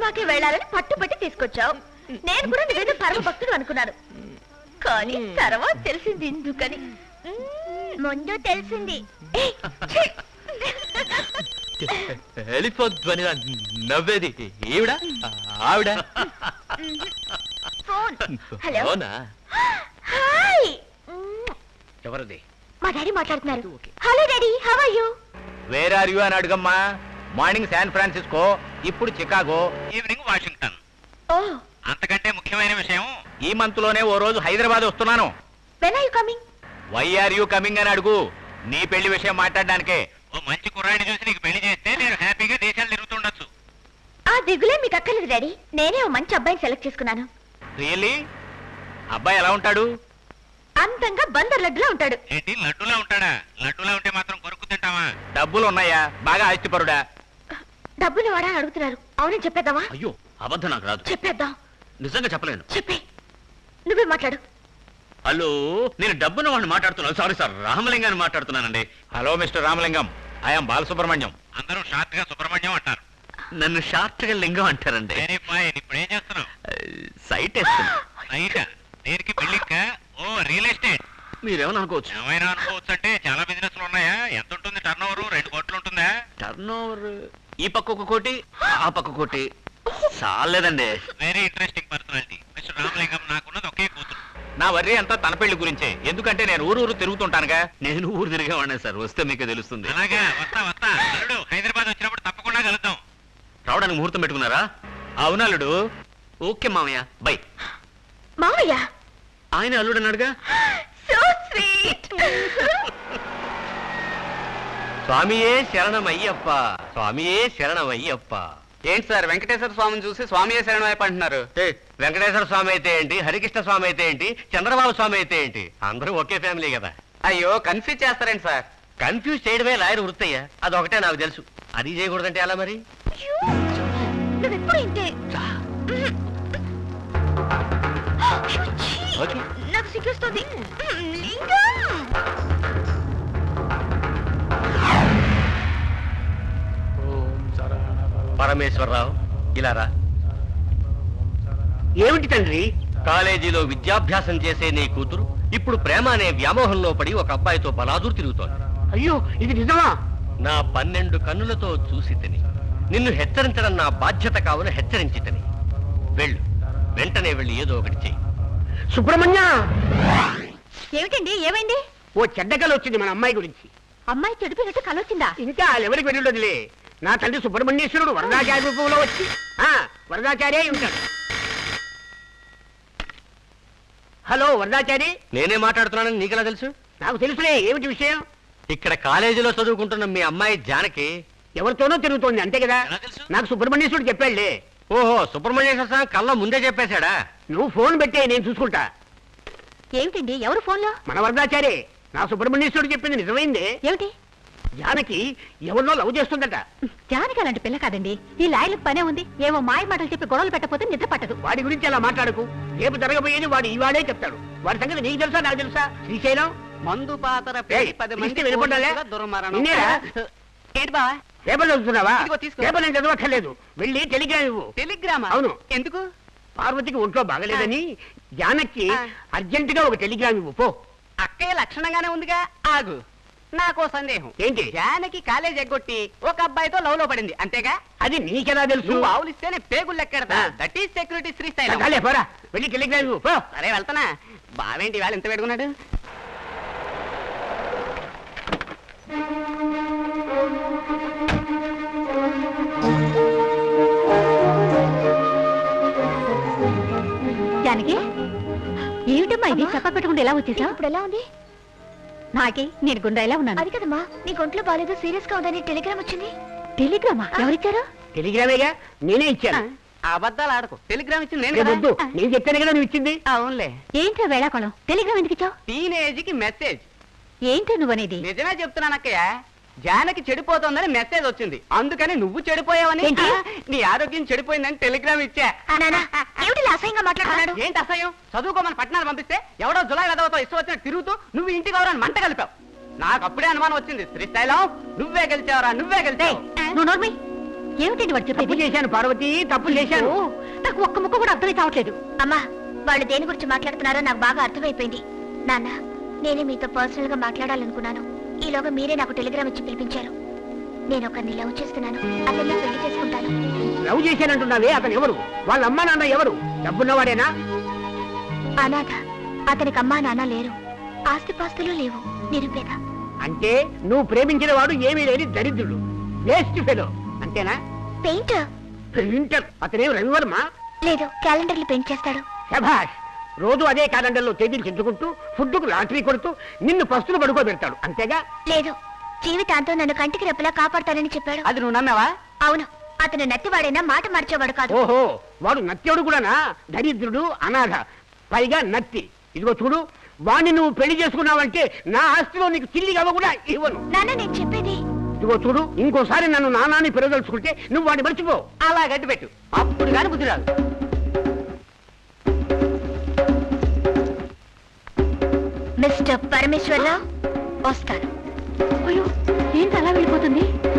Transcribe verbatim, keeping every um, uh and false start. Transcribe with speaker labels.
Speaker 1: సినిమాకి వెళ్ళాలని పట్టుబట్టి తీసుకొచ్చావు. నేను కూడా నువ్వేదో పరమ భక్తుడు అనుకున్నాను, కానీ తర్వాత తెలిసింది ఎందుకని. ముందు తెలిసింది.
Speaker 2: నవ్వేది ఈవిడ ఆవిడ.
Speaker 1: ఫోన్. హలో. హాయ్.
Speaker 2: ఎవరిది?
Speaker 1: మా డాడీ మాట్లాడుతున్నారు. Hello daddy, how are you?
Speaker 2: Where are you అని అడుగమ్మా. మార్నింగ్ శాన్ ఫ్రాన్సిస్కో, ఇప్పుడు చికాగో, ఈవినింగ్ వాషింగ్టన్.
Speaker 1: ఓ,
Speaker 2: అంతకంటే ముఖ్యమైన విషయం, ఈ మంత్ లోనే ఓ రోజు హైదరాబాద్ వస్తున్నాను.
Speaker 1: When are you coming?
Speaker 2: Why are you coming అని అడుగు. నీ పెళ్లి విషయం మాట్లాడడానికే. ఓ మంచి కుర్రాడిని చూసి నీకు పెళ్లి చేస్తే నేను హ్యాపీగా దేశాలు తిరుగుతుండొచ్చు.
Speaker 1: ఆ దిగులే మీకు అక్కర్లేదు డాడీ, నేనే ఓ మంచి అబ్బాయిని సెలెక్ట్ చేసుకున్నాను.
Speaker 2: రియల్లీ? అబ్బాయి ఎలా ఉంటాడు?
Speaker 1: అంతంగా బందర్ లడ్డులా ఉంటాడు.
Speaker 2: ఏంటి లడ్డులా ఉంటాడా? లడ్డులా ఉంటే మాత్రం కొరుకు తింటావా? డబ్బులు ఉన్నాయా? బాగా ఆస్తిపరుడా?
Speaker 1: డబ్బులు వాడా అని అడుగుతున్నారు. అవునని చెప్పేద్దామా?
Speaker 2: అయ్యో, అబద్ధం నాకు రాదు.
Speaker 1: చెప్పేద్దాం.
Speaker 2: నిజంగా చెప్పలేను.
Speaker 1: చెప్పే, నువ్వే మాట్లాడు.
Speaker 2: హలో, నేను డబ్బున వాడిని మాట్లాడుతున్నాను. సారీ సార్, రామలింగాన్ని మాట్లాడుతున్నానండి. Hello mister Ramalingam, I'm Balasubrahmanyam. అందరూ షార్ట్ గా సుబ్రహ్మణ్యం అంటారు. నన్ను షార్ట్ గా లింగం అంటారండి. ఇప్పుడు ఏం చేస్తున్నావు? సైట్ వేస్తున్నా. సైట్ దేనికి? బిల్డింగ్? ఓ, రియల్ ఎస్టేట్. మీరేమని అనుకోవచ్చు. ఏమైనా అనుకోవచ్చు అంటే చాలా బిజినెస్ లు ఉన్నాయా? ఎంత ఉంటుంది టర్న్ ఓవర్? రెండు కోట్లు ఉంటుందా? టర్న్ ఓవర్ ఈ పక్క ఒక కోటి, ఆ పక్క కోటి. చాలేదండి. Very interesting personality mister Ramalingam. నాకున్నది ఒకే కూతురు. నా వర్రీ అంతా తన పెళ్లి గురించే. ఎందుకంటే నేను ఊరు ఊరు తిరుగుతుంటానుగా. నేను ఊరు తిరిగేవాడినే సార్, వస్తే మీకు తెలుస్తుంది. అలాగా, వస్తా వస్తా. అల్లుడు, హైదరాబాద్ వచ్చినప్పుడు తప్పకుండా కలుద్దాం. రావడానికి ముహూర్తం పెట్టుకున్నారా? అవును అల్లుడు. ఓకే మామయ్య, బై.
Speaker 1: మామయ్య?
Speaker 2: ఆయన అల్లుడు అన్నాడుగా.
Speaker 1: So sweet.
Speaker 2: స్వామియే శరణమయ్యప్ప, స్వామియే శరణమయ్యప్ప. ఏంటి సార్, వెంకటేశ్వర స్వామిని చూసి స్వామియే శరణమయ్యప్ప అంటున్నారు? వెంకటేశ్వర స్వామి అయితే ఏంటి, హరికృష్ణ స్వామి అయితే ఏంటి, చంద్రబాబు స్వామి అయితే ఏంటి, అందరూ ఒకే ఫ్యామిలీ కదా. అయ్యో, కన్ఫ్యూజ్ చేస్తారేంటి సార్? కన్ఫ్యూజ్ చేయడమే లాయర్ వృత్తయ్యా. అదొకటే నాకు తెలుసు. అది చేయకూడదంటే ఎలా మరి?
Speaker 1: నువ్వెప్పుడు ఇంతే. నాకు సిగ్గుస్తుంది.
Speaker 2: పరమేశ్వరరావు, ఇలా రా. ఏమిటి తండ్రి? కాలేజీలో విద్యాభ్యాసం చేసే నీ కూతురు ఇప్పుడు ప్రేమ అనే వ్యామోహంలో పడి ఒక అబ్బాయితో బలాదూరు తిరుగుతోంది.
Speaker 3: అయ్యో, ఇది నిజమా?
Speaker 2: నా పన్నెండు కన్నులతో చూసి తిని నిన్ను హెచ్చరించడం నా బాధ్యత కావున హెచ్చరించి తిని. వెళ్ళు, వెంటనే వెళ్ళి ఏదో ఒకటి చెయ్యి.
Speaker 3: సుబ్రహ్మణ్య!
Speaker 1: ఏమిటండి, ఏమైంది?
Speaker 3: ఓ చెడ్డ కల వచ్చింది మన అమ్మాయి గురించి.
Speaker 1: అమ్మాయి చెడిపోయినట్టు కల వచ్చిందా?
Speaker 3: ఇంకా ఎవరికి వెళ్ళుండదులే. నా తండ్రి సుబ్రహ్మణ్యేశ్వరుడు వరదాచార్య రూపంలో వచ్చి వరదాచార్య ఉంటాడు. హలో వరదాచారి.
Speaker 2: నేనే మాట్లాడుతున్నానని నీకెలా తెలుసు?
Speaker 3: నాకు తెలుసులే. ఏమిటి విషయం?
Speaker 2: ఇక్కడ కాలేజీలో చదువుకుంటున్న మీ అమ్మాయి జానకి
Speaker 3: ఎవరితోనో తిరుగుతోంది, అంతే కదా? నాకు సుబ్రహ్మణ్యేశ్వరుడు చెప్పాడులే.
Speaker 2: ఓహో, సుబ్రహ్మణ్యేశ్వర స్వామి కళ్ళ ముందే చెప్పేశాడా?
Speaker 3: నువ్వు ఫోన్ పెట్టే, నేను చూసుకుంటా.
Speaker 1: ఏమిటండి, ఎవరు ఫోన్లో?
Speaker 3: మన వరదాచారి. నా సుబ్రహ్మణ్యేశ్వరుడు చెప్పింది నిజమైందే.
Speaker 1: ఏమిటి?
Speaker 3: జానకి ఎవరినో లవ్ చేస్తుందట.
Speaker 1: జానకి అలాంటి పిల్ల కాదండి. ఈ లాయర్లకు పనే ఉంది. ఏవో మాయ మాటలు చెప్పి గొడవలు పెట్టకపోతే నిద్ర పట్టదు.
Speaker 3: వాడి గురించి అలా మాట్లాడకు. రేపు జరగబోయేది వాడు ఈవాడే చెప్తాడు. వాడి సంగతి నీకు తెలుసా, నాకు తెలుసా? శ్రీశైలం
Speaker 4: మందు పాతర
Speaker 3: వినపడ్డాలే.
Speaker 4: ఏంటి బా?
Speaker 3: పేపర్ చదువుతున్నావా?
Speaker 4: ఇదిగో తీసుకో.
Speaker 3: పేపర్ నేను చదవక్కర్లేదు. వెళ్ళి టెలిగ్రామ్ ఇవ్వు.
Speaker 4: టెలిగ్రామా?
Speaker 3: అవును.
Speaker 4: ఎందుకు?
Speaker 3: పార్వతికి ఒంట్లో బాగలేదని జానకి అర్జెంట్ గా ఒక టెలిగ్రామ్ ఇవ్వు పో.
Speaker 4: అక్కయ్య లక్షణంగానే ఉందిగా. ఆగు, నాకో సందేహం.
Speaker 3: ఏంటి?
Speaker 4: జానకి కాలేజ్ ఎగ్గొట్టి ఒక అబ్బాయితో లవ్ లో పడింది, అంతేగా?
Speaker 3: అది నీకెలా తెలుసు?
Speaker 4: నువ్వు ఆవులిస్తేనే పేగులు లెక్కెడతా. That is security Srisailam.
Speaker 3: చాలే, పోరా. వెళ్ళి టెలిగ్రామ్ ఇవ్వు పో.
Speaker 4: సరే, వెళ్తానా. బావేంటి వాళ్ళు ఎంత పెట్టుకున్నాడు?
Speaker 1: జానకి, ఏమిటమ్మా ఇది? చెప్ప పెట్టుకుంటే ఎలా వచ్చేసా? ఇప్పుడు ఎలా ఉంది? నాకే నేను గుండ్రా ఎలా ఉన్నాను. అది కదమ్మా, నీ ఒంట్లో బాగాలేదు, సీరియస్ గా ఉందని టెలిగ్రామ్ వచ్చింది. టెలిగ్రామా? ఎవరిచ్చారు?
Speaker 3: టెలిగ్రామేగా, నేనే ఇచ్చాను.
Speaker 4: అబద్ధాలు ఆడకు. టెలిగ్రామ్ ఇచ్చింది నేను
Speaker 3: నేను
Speaker 4: కదా.
Speaker 3: వద్దు, నేను చెప్తాను కదా నువ్వు ఇచ్చింది.
Speaker 4: అవునులే.
Speaker 1: ఏంట్రా వేళాకోళం? టెలిగ్రామ్ ఎందుకు ఇచ్చావు?
Speaker 4: టీనేజ్ కి మెసేజ్.
Speaker 1: ఏంటో నువ్వనేది?
Speaker 4: నిజమే చెప్తున్నాను అక్కయ్య. జానకి చెడిపోతుందని మెసేజ్ వచ్చింది, అందుకని నువ్వు చెడిపోయావని,
Speaker 1: ఏంటి?
Speaker 4: నీ ఆరోగ్యం చెడిపోయిందని టెలిగ్రామ్ ఇచ్చా.
Speaker 1: ఏమిటి అసహ్యంగా మాట్లాడుతున్నాడు?
Speaker 4: ఏంటి అసహ్యం? చదువుకోమని పట్టణాలు పంపిస్తే ఎవడో జులై వెదవతో ఇష్టం వచ్చినట్టు తిరుగుతూ నువ్వు ఇంటికి ఎవరని మంట కలిపావు. నాకు అప్పుడే అనుమానం వచ్చింది. శ్రీశైలం, నువ్వే గెలిచావరా, నువ్వే గెలిచావు.
Speaker 1: నువ్వు నోర్మి. ఏమిటండి వాడు
Speaker 3: తప్పు
Speaker 1: చెప్పేది?
Speaker 3: చేశాను పార్వతి, తప్పు చేశాను.
Speaker 1: ఓ, నాకు ఒక్క ముక్క కూడా అర్థమై కావట్లేదు.
Speaker 5: అమ్మా వాళ్ళు దేని గురించి మాట్లాడుతున్నారో నాకు బాగా అర్థమైపోయింది. నాన్న నేనే మీతో పర్సనల్ గా మాట్లాడాలనుకున్నాను. ఈలోగా మీరే నాకు టెలిగ్రామ్ ఇచ్చి పిలిపించారు. నేను ఒకరిని లవ్ చేస్తున్నాను, అతన్ని పెళ్లి చేసుకుంటాను.
Speaker 3: లవ్ చేశానంటున్నావే, అతను ఎవరు? వాళ్ళ అమ్మా నాన్న ఎవరు? డబ్బున్నవాడేనా?
Speaker 5: అనాథ. అతనికి అమ్మా నాన్న లేరు, ఆస్తిపాస్తులు లేవు, నిరుపేద.
Speaker 3: అంటే నువ్వు ప్రేమించిన వాడు ఏమీ లేని దరిద్రుడు, వేస్ట్ ఫెలో, అంతేనా?
Speaker 5: Painter
Speaker 3: painter. అతనేం రవివర్మ?
Speaker 5: లేదు, క్యాలెండర్లు పెయింట్ చేస్తాడు.
Speaker 3: శభాష్. రోజు అదే క్యాలెండర్లో తేదీలు చెంచుకుంటూ ఫుడ్కు లాటరీ కొడుతూ నిన్ను పస్తులు పడుకోబెడతాడు, అంతేగా?
Speaker 5: లేదు, జీవితాంతం నన్ను కంటికి రెప్పలా కాపాడతానని చెప్పాడు.
Speaker 4: అది నువ్వు నమ్మావా?
Speaker 5: అవును, అతను నత్తివాడైనా మాట మార్చేవాడు కాదు.
Speaker 3: ఓహో, వాడు నత్యుడు కూడానా? దరిద్రుడు, అనాథ, పైగా నత్తి. ఇదిగో చూడు, వాణ్ణి నువ్వు పెళ్లి చేసుకున్నావంటే నా ఆస్తిలో నీకు చిల్లి గవ్వ కూడా ఇవ్వను.
Speaker 5: నాన్న నేను చెప్పేది.
Speaker 3: ఇదిగో చూడు, ఇంకోసారి నన్ను నానాన్ని పెరగదలుచుకుంటే నువ్వు వాడిని మర్చిపో.
Speaker 4: అలా గట్టి పెట్టు, అప్పుడు కానీ బుద్ధి రాదు.
Speaker 5: మిస్టర్ పరమేశ్వరరావు వస్తాను.
Speaker 1: అయ్యో, ఏంటి అలా వెళ్ళిపోతుంది?